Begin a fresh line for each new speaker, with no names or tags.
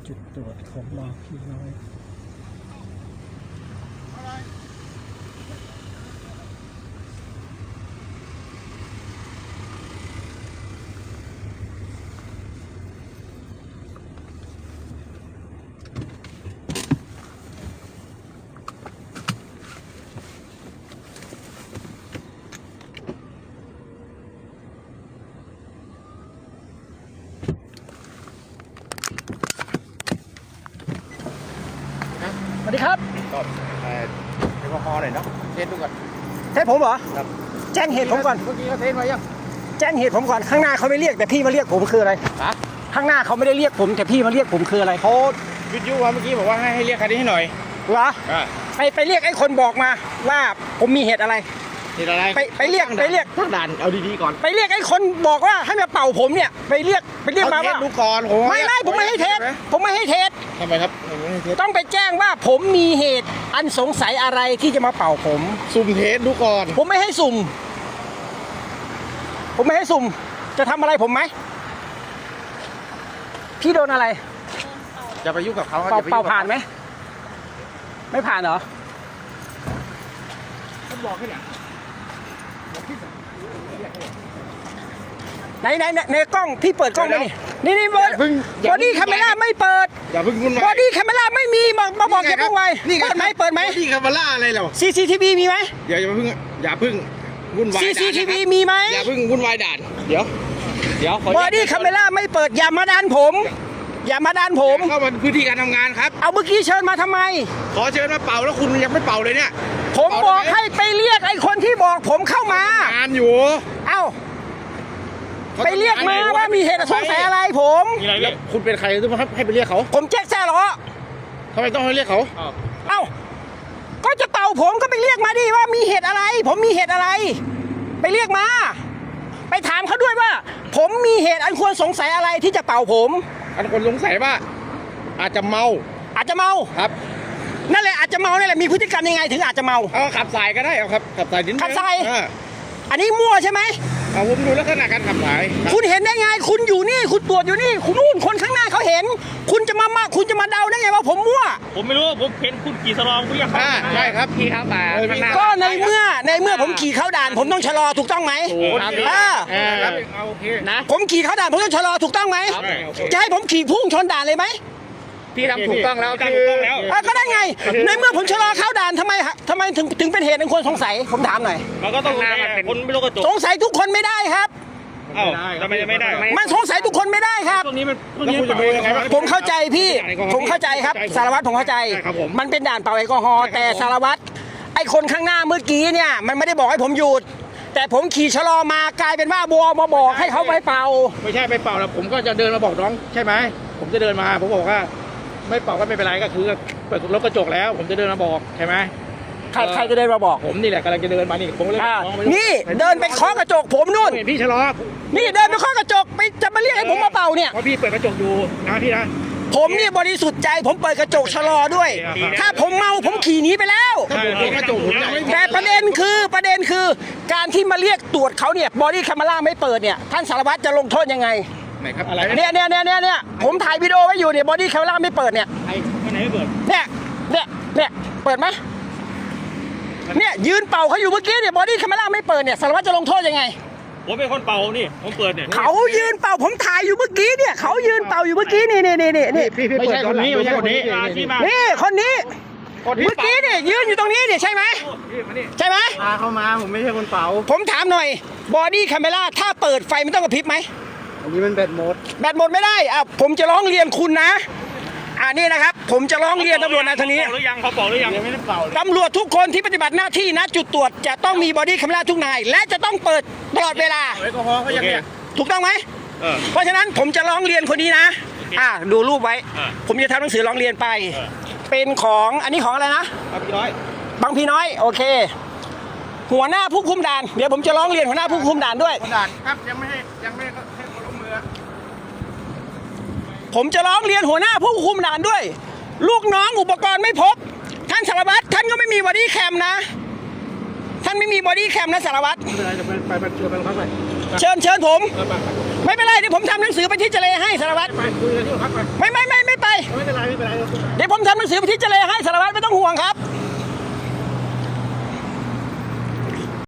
จุดตรวจของบางพี่น้อยสวัสดีครับ
ก็แอลกอฮอล์หน่อยเนาะเทสดูก่อน
เทสผมเหรอ
ครับ
แจ้งเหตุผมก่อน
เมื่อกี้เขาเทสไว้ยัง
แจ้งเหตุผมก่อนข้างหน้าเขาไม่เรียกแต่พี่มาเรียกผมคืออะไรข้างหน้าเขาไม่ได้เรียกผมแต่พี่มาเรียกผมคืออะไร
เขาวิทยุว่าเมื่อกี้บอกว่าให้เรียกคันนี้ให้หน่อย
เหรอไปเรียกไอ้คนบอกมาว่าผมมีเหตุอะไรไปเรียก
ตั้งด่านเอาดีๆก่อน
ไปเรียกไอ้คนบอกว่าให้มาเป่าผมเนี่ยไปเรียกมาว่า
ดูก่อน
ผมไม่ให้เทส
ทำไมครับ
ต้องไปแจ้งว่าผมมีเหตุอันสงสัยอะไรที่จะมาเป่าผม
สุ่มเทสดูก่อน
ผมไม่ให้สุ่มจะทำอะไรผมไหมพี่โดนอะไร
จะไปยุ่งกับเขา
เป่าผ่านไหมไม่ผ่านเหรอ
ผมบอกให้เนี่ย
ในกล้องพี่เปิดกล้องไหมนี่บอดี้แคมเมราไม่เปิด
อย่าพึ่งวุ่นวาย
บอดี้แคมเมราไม่มีมาบอกแกวุ่นวายเปิดไหมบ
อดี้แคมเมราอะไรเหรอ
CCTV มีไหม
อย่าพึ่งวุ่นวาย
CCTV มีไหม
อย่าพึ่งวุ่นวายด่านเดี๋ยว
บอดี้แคมเมราไม่เปิดอย่ามาดันผม
เข้ามาพื้นที่การทำงานครับ
เอาเมื่อกี้เชิญมาทำไม
ขอเชิญมาเป่าแล้วคุณยังไม่เป่าเลยเนี่ย
ผมบอกให้ไปเรียกไอ้คนที่บอกผมเข้าม
างานอยู่
เอ้าไปเรียกมาว่ามีเหตุสงสัยอะไรผม
แล้วคุณเป็นใครต้องให้ไปเรียกเขา
ผมแจ็คแซ่หรอ
ทำไมต้องให้เรียกเขา
เอ้าก็จะเป่าผมก็ไปเรียกมาดิว่ามีเหตุอะไรผมมีเหตุอะไรไปเรียกมาไปถามเขาด้วยว่าผมมีเหตุอันควรสงสัยอะไรที่จะเป่าผม
อันควรสงสัยว่าอาจจะเมา
ครับนั่นแหละอาจจะเมานั่นแหละมีพฤติกรรมยังไงถึงอาจจะเมา
ขับสายก็ได้ครับขับสายดิน
ขับสายอันนี้มั่วใช่ไหม
ผมดูลักษณะการขับสาย
คุณเห็นได้ไงคุณอยู่นี่คุณตรวจอยู่นี่คุณนู่นคนข้างหน้าเขาเห็นคุณจะมาเดาได้ไงว่าผมมั่ว
ผมไม่รู้ผมเห็นคุณขี่สลองคุณยัง
ใช่ครับขี่เข้าด่าน
ก็ในเมื่อผมขี่เข้าด่านผมต้องชะลอถูกต้องไหม
นะ
ผมขี่เข้าด่านผมต้องชะลอถูกต้องไหมจะให้ผมขี่พุ่งชนด่านเลยไหม
พี่ทำถูกต้องแล้ว
ก็ได้ไงในเมื่อผมชะลอเข้าด่านทำไมถึงเป็นเหตุอันควรสงสัยผมถามหน่อย
มันก็ต้องคนไม่รู้กระจก
สงสัยทุกคนไม่ได้ครับ
ทำไมไม่ได้
มันสงสัยทุกคนไม่ได้ครับผมเข้าใจพี่ผมเข้าใจครับสารวัตรผมเข้าใจมันเป็นด่านเป่าแอลกอฮอล์แต่สารวัตรไอ้คนข้างหน้าเมื่อกี้เนี่ยมันไม่ได้บอกให้ผมหยุดแต่ผมขี่ชะลอมากลายเป็นว่าบัวมาบอกให้เขาไปเป่า
ไม่ใช่ไปเป่าแล้วผมก็จะเดินมาบอกน้องใช่ไหมผมจะเดินมาผมบอกว่าไม่เป่าก็ไม่เป็นไรก็คือเปิดรถกระจกแล้วผมจะเดินมาบอกใช่ไหม
ใครจะเดินมาบอก
ผมนี่แหละกำลังจะเดินมานี่ผมเลย
นี่เดินไปเคาะกระจกผมนู่น
พี่ชะลอ
นี่เดินไปเคาะกระจกไปจะมาเรียกให้ผมมาเป่าเนี่ย
เพราะพี่เปิดกระจกอยู่นะพี่นะ
ผมนี่บริสุทธิ์ใจผมเปิดกระจกชะลอด้วยถ้าผมเมาผมขี่หนีไปแล้วแต่ประเด็นคือการที่มาเรียกตรวจเขาเนี่ยบอดี้แคมเมราไม่เปิดเนี่ยท่านสารวัตรจะลงโทษยังไง
ไหนครับอะไร
เนี่ยผมถ่ายวิดีโอไว้อยู่เนี่ยบอดี้แคมเมราไม่เปิดเนี่ย
ไหนไม่เปิด
เนี่ยเปิดไหมเนี่ยยืนเป่าเขาอยู่เมื่อกี้เนี่ยบอดี้แคมเมราไม่เปิดเนี่ยสารวัตรจะลงโทษยังไง
ผมเป็นคนเป่านี่ผมเปิดเนี่ย
เขายืนเป่าผมถ่ายอยู่เมื่อกี้เนี่ยเขายืนเป่าอยู่เมื่อกี้นี่
ไม่ใช่คนนี้นี่คนนี้
เมื่อกี้เนี่ยยืนอยู่ตรงนี้เนี่ยใช่ไหม
เข้ามาผมไม่ใช่คนเป่า
ผมถามหน่อยบอดี้แคมเมราถ้าเปิดไฟมันต้องกระพริบไหม
อันนี้มันแบตหมด
ไม่ได้ผมจะร้องเรียนคุณนะนี่นะครับผมจะร้องเรียนตำรวจนายทางนี้
เขาเป่าหรือยัง
ไม่ได้เป่า
ตำรวจทุกคนที่ปฏิบัติหน้าที่ณจุดตรวจจะต้องมีบอดี้แคมเมราทุกนายและจะต้องเปิดตลอดเวลา
แอลกอฮอล์เขาอย่างเงี้ย
ถูกต้องไหมเพราะฉะนั้นผมจะร้องเรียนคนนี้นะดูรูปไว้ผมจะทำหนังสือร้องเรียนไปเป็นของอันนี้ของอะไรนะบางพี่น้อยโอเคหัวหน้าผู้คุมด่านเดี๋ยวผมจะร้องเรียนหัวหน้าผู้คุมด่านด้วย
ครับยังไม่ให้คนลงมือ
ผมจะร้องเรียนหัวหน้าผู้คุมด่านด้วยลูกน้องอุปกรณ์ไม่พบท่านสารวัตรท่านก็ไม่มีบอดี้แคมนะท่านไม่มีบอดี้แคมนะสารวัตร
ไม่เป็นไรจะไปชวนไปโรงพักไป
เชิญผม
ไป
ไม่เป็นไรเดี๋ยวผมทำหนังสือไปที่เจเลให้สารวัตร
ไปคุยกันที่โรงพักไป
ไม่ไป
ไม่เป็นไร
เดี๋ยวผมทำหนังสือไปที่เจเลให้สารวัตรไม่ต้องห่วงครับ